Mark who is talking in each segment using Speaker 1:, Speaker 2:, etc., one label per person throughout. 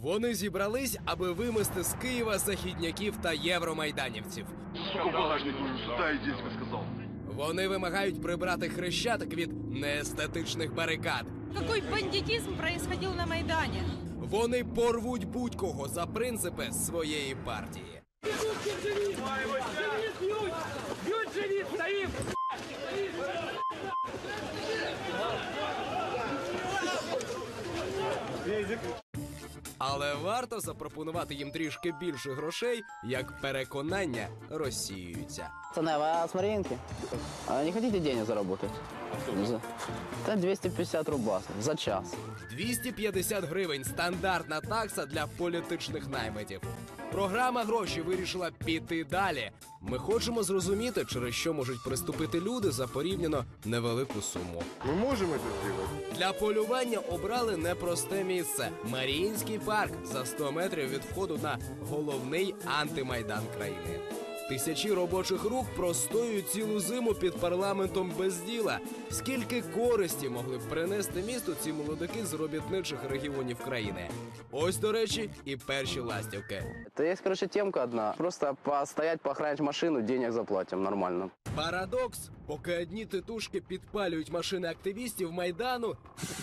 Speaker 1: Вони зібрались, аби вимести з Києва західняків та євромайданівців.
Speaker 2: Сука, багажник, дай дідько сказав.
Speaker 1: Вони вимагають прибрати Хрещатик від неестетичних барикад.
Speaker 3: Какой бандитизм происходил на Майдане?
Speaker 1: Вони порвуть будь-кого за принципи своєї партії. Але варто запропонувати їм трішки більше грошей, як переконання розсіюються.
Speaker 4: Пацаны, вы с Маринки? А не хотите денег заработать? Это 250 рублей за час.
Speaker 1: 250 гривень – стандартна такса для політичних наймитів. Програма «Гроші» вирішила піти далі. Ми хочемо зрозуміти, через що можуть приступити люди за порівняно невелику суму.
Speaker 2: Ми можемо це зробити?
Speaker 1: Для полювання обрали непросте місце – Маріїнський парк за 100 метрів від входу на головний антимайдан країни. Тисячі робочих рук простоюють цілу зиму під парламентом без діла. Скільки користі могли б принести місту ці молодики з робітничих регіонів країни? Ось, до речі, і перші ластівки.
Speaker 4: Это есть, короче, темка одна. Просто постоять, поохранять машину, денег заплатим нормально.
Speaker 1: Парадокс. Поки одні титушки підпалюють машини активістів Майдану,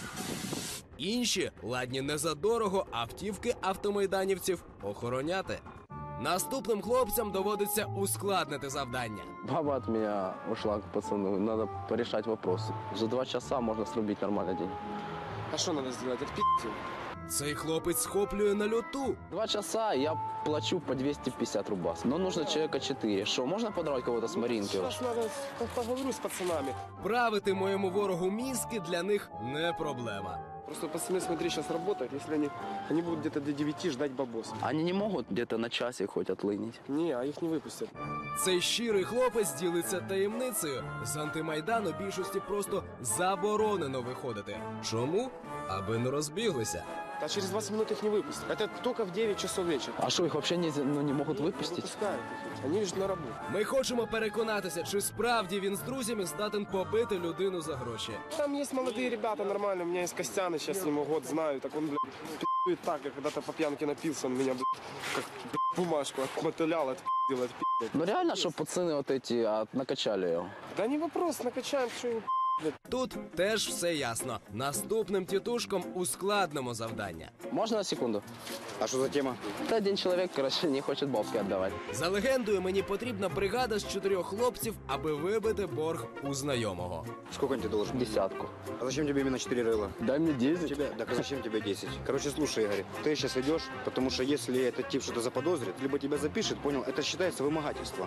Speaker 1: інші ладні не за дорого автівки автомайданівців охороняти. Наступним хлопцям доводиться ускладнити завдання.
Speaker 4: Баба от меня ушла к пацану. Надо порешать вопросы. За 2 часа можно срубить нормальный день.
Speaker 5: А что надо сделать? Отпи***ь его.
Speaker 1: Цей хлопець схоплює на льоту.
Speaker 4: 2 часа я плачу по 250 рублей. Но нужно человека 4. Что, можно подорвать кого-то с Маринки?
Speaker 5: Сейчас надо поговорю с пацанами.
Speaker 1: Правити моєму ворогу мізки для них не проблема.
Speaker 5: Просто пацаны, смотри, сейчас работают. Если они будут где-то до 9 ждать бабоса.
Speaker 4: Они не могут где-то на часик хоть отлынить.
Speaker 5: Не, а их не выпустят.
Speaker 1: Цей щирий хлопець ділиться таємницею. З антимайдану більшості просто заборонено виходити. Чому? Аби не розбіглися.
Speaker 5: А через 20 минут их не выпустят. Это только в 9 часов вечера.
Speaker 4: А что, их вообще не могут
Speaker 5: Не
Speaker 4: выпустить?
Speaker 5: выпускают их. Они же на работу.
Speaker 1: Ми хочемо переконатися, чи справді він з друзями здатен побити людину за гроші.
Speaker 5: Там есть молодые ребята нормально. У меня есть Костян, сейчас ему год знаю. Так он, блядь, пи***ет так, я когда-то по пьянке напился. Он меня, блядь, как бумажку отмотылял, отпи***ил, отпи***ил.
Speaker 4: Ну реально, что пацаны вот эти накачали его?
Speaker 5: Да не вопрос, накачаем, что им.
Speaker 1: Тут теж все ясно. Наступним тітушкам ускладнимо завдання.
Speaker 4: Можно на секунду?
Speaker 6: А что за тема?
Speaker 4: Это один человек, короче, не хочет бабки отдавать.
Speaker 1: За легендою, мені потрібна бригада з 4 хлопців, аби вибити борг у знайомого.
Speaker 6: Сколько он тебе должен?
Speaker 4: 10.
Speaker 6: А зачем тебе именно 4 рыла?
Speaker 4: Дай мне 10.
Speaker 6: Тебе? Так а зачем тебе 10? Короче, слушай, Игорь, ты сейчас идешь, потому что если этот тип что-то заподозрит, либо тебя запишет, понял, это считается вымогательство.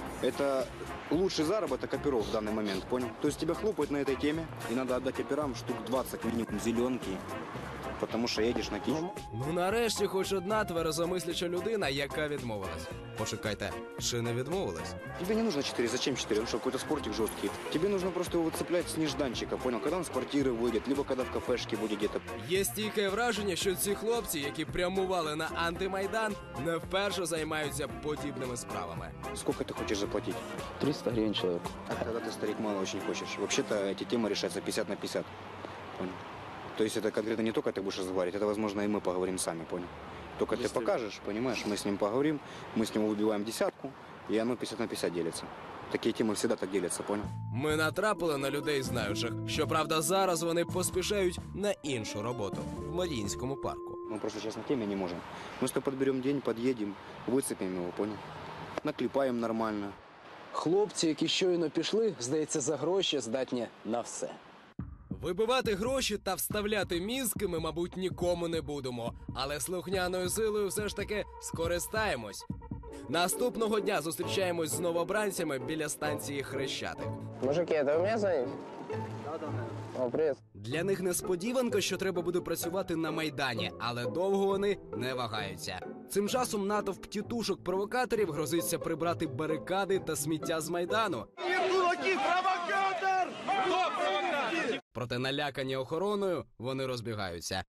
Speaker 6: Это лучший заработок оперов в данный момент, понял? То есть тебя хлопают на этой теме, и надо отдать операм штук 20 минимум зеленки, потому что едешь на кич.
Speaker 1: Ну нарешті хоч одна тверезомисляча людина, яка відмовилась. Почекайте, чи не відмовилась?
Speaker 6: Тебе не нужно 4, зачем 4? Он что, какой-то спортик жесткий? Тебе нужно просто его выцеплять с нежданчика, понял? Когда он с квартиры выйдет, либо когда в кафешке будет где-то.
Speaker 1: Є стійке враження, що ці хлопці, які прямували на антимайдан, не вперше займаються подібними справами.
Speaker 6: Сколько ты хочешь заплатить?
Speaker 4: 300 гривен человеку.
Speaker 6: Тогда ты, старик, мало очень хочешь. Вообще-то эти темы решаются 50 на 50. Понял? То есть это конкретно не только ты будешь разговаривать, это, возможно, и мы поговорим сами, понял? Только ты покажешь, понимаешь, мы с ним поговорим, мы с него выбиваем десятку, и оно 50 на 50 делится. Такие темы всегда так делятся, понял?
Speaker 1: Ми натрапили на людей знаючих. Щоправда, зараз вони поспішають на іншу роботу в Маріїнському парку.
Speaker 6: Мы просто сейчас на теме не можем. Мы с тобой подберем день, подъедем, выцепим его, понял? Наклепаем нормально.
Speaker 4: Хлопці, які щойно пішли, здається, за гроші здатні на все.
Speaker 1: Вибивати гроші та вставляти мізки ми, мабуть, нікому не будемо. Але слухняною силою все ж таки скористаємось. Наступного дня зустрічаємось з новобранцями біля станції Хрещатик.
Speaker 4: Мужики, это вы мне звоните? О, привет.
Speaker 1: Для них несподіванка, що треба буде працювати на Майдані, але довго вони не вагаються. Цим часом натовп тітушок-провокаторів грозиться прибрати барикади та сміття з Майдану. Проте налякані охороною вони розбігаються.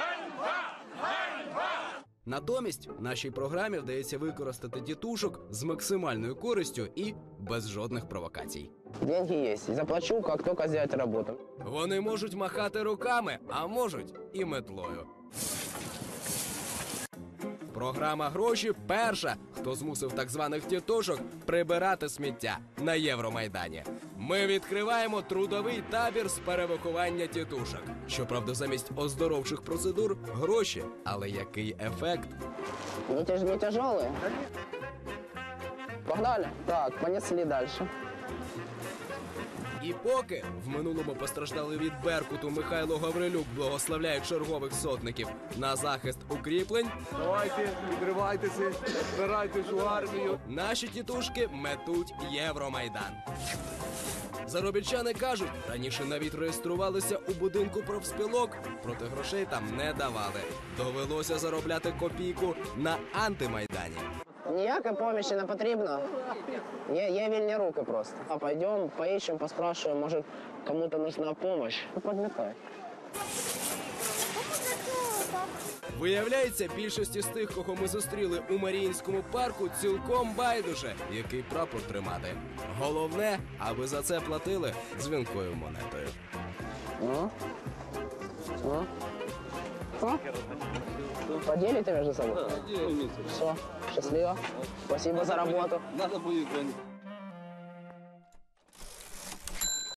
Speaker 1: Натомість нашій програмі вдається використати тітушок з максимальною користю і без жодних провокацій.
Speaker 4: Деньги есть. Заплачу, как только сделать работу.
Speaker 1: Вони можуть махати руками, а можуть і метлою. Програма «Гроші» перша, хто змусив так званих тітушок прибирати сміття на Євромайдані. Ми відкриваємо трудовий табір з перевиховання тітушок. Щоправда, замість оздоровчих процедур – гроші. Але який ефект?
Speaker 4: Не тяжелые? Погнали? Так, понесли дальше.
Speaker 1: І поки в минулому постраждали від Беркуту Михайло Гаврилюк благословляє чергових сотників на захист укріплень,
Speaker 5: Давайте, відривайтеся, збирайтесь у армію.
Speaker 1: наші тітушки метуть Євромайдан. Заробітчани кажуть, раніше навіть реєструвалися у будинку профспілок, проте грошей там не давали. Довелося заробляти копійку на антимайдані.
Speaker 4: Ніякої помощи не потрібно. Є вільні руки просто. А пойдем, поищем, поспрашиваем, може кому-то нужна помощь. Ну, подметай.
Speaker 1: Виявляється, більшості з тих, кого ми зустріли у Маріїнському парку, цілком байдуже, який прапор тримати. Головне, аби за це платили дзвінкою монетою.
Speaker 4: Ну? Ну? Ну? Поделите между собой? Все, счастливо. Спасибо за работу.
Speaker 7: Надо будет